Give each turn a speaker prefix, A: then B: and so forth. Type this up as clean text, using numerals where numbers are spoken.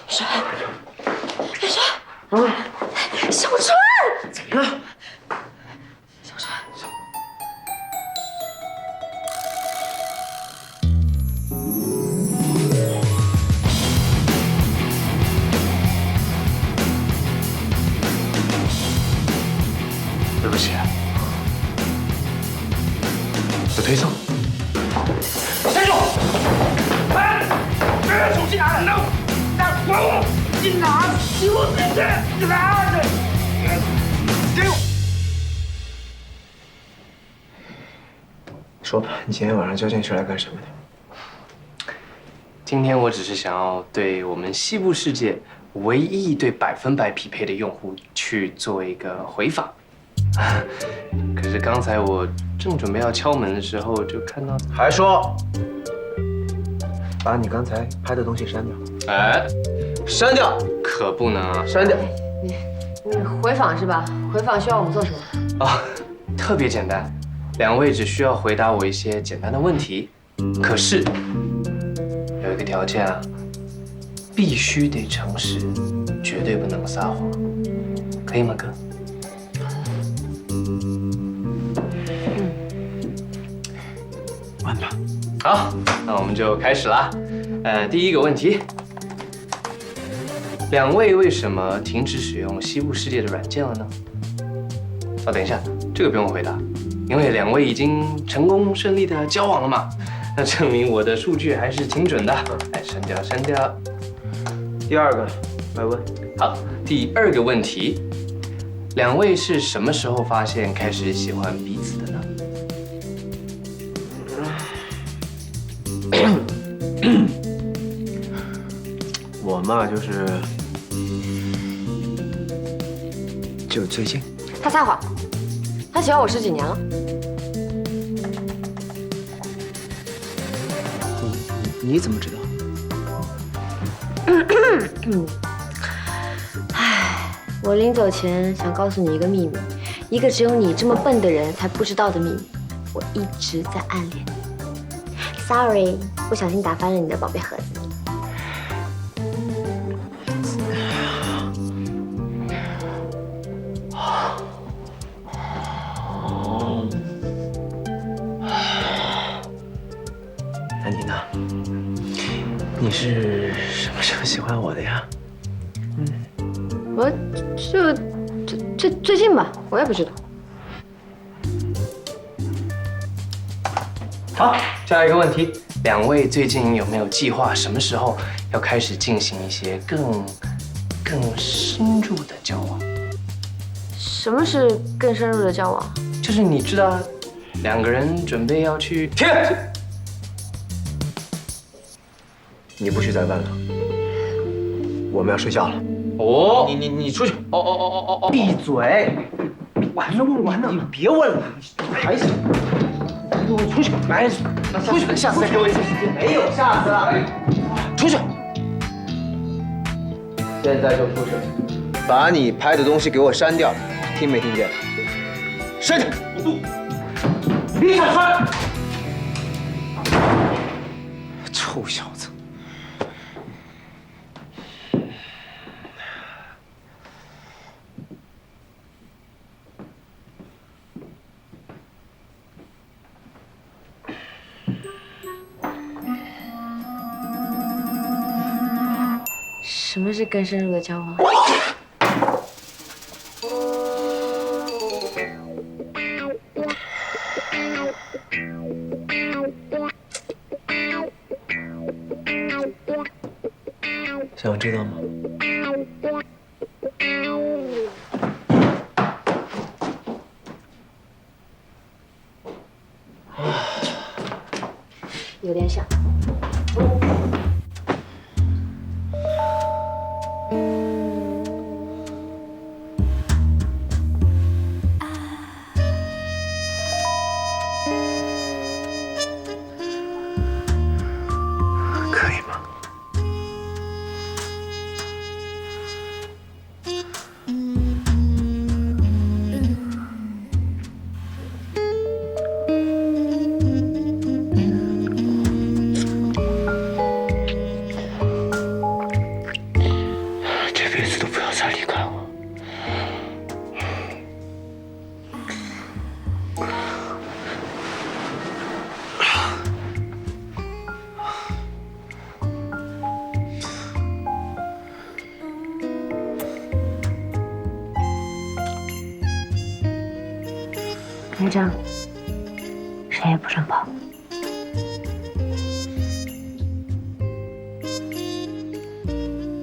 A: 谁？谁？小川！
B: 怎么了？
A: 小川。
B: 对不起，有推送。站住！哎，手机拿来！管我！你拿给我进去！拿着！给我！说吧，你今天晚上究竟是来干什么的？
C: 今天我只是想要对我们西部世界唯一对100%匹配的用户去做一个回访。可是刚才我正准备要敲门的时候，就看到
B: 还说把你刚才拍的东西删掉。
C: 哎，
B: 删掉！
C: 可不能啊！
B: 删掉！
A: 你回访是吧？回访需要我们做什么？
C: 哦，特别简单，2位只需要回答我一些简单的问题。可是有一个条件啊，必须得诚实，绝对不能撒谎，可以吗，哥？
B: 问吧。
C: 好，那我们就开始啦。第一个问题，2位为什么停止使用西部世界的软件了呢？哦，等一下，这个不用回答，因为2位已经成功顺利的交往了嘛，那证明我的数据还是挺准的。哎，删掉，删掉。
B: 第二个，来问。
C: 好，第2个问题，2位是什么时候发现开始喜欢彼此的呢？
B: 我嘛，就最近。
A: 他撒谎，他喜欢我10几年了。
B: 你怎么知道？
A: 唉，我临走前想告诉你一个秘密，一个只有你这么笨的人才不知道的秘密。我一直在暗恋你。Sorry， 不小心打翻了你的宝贝盒子。
B: 那你呢？你是什么时候喜欢我的呀？
A: 我就最近吧，我也不知道。
C: 好，下一个问题，2位最近有没有计划什么时候要开始进行一些更深入的交往？
A: 什么是更深入的交往？
C: 就是你知道，2个人准备要去。
B: 停！你不许再问了，我们要睡觉了。
C: 哦，
B: 你出去！
C: 哦，
B: 闭嘴！完了，你别问了，还行。给我出去！来，出去！下次再给我一次时间。没有下次了。出去！现在就出去！把你拍的东西给我删掉，听没听见？删掉！李小川！臭小子！
A: 什么是更深入的交往？
B: 想知道吗？
A: 有点像。
B: 可以吗？
A: 台长，谁也不准跑。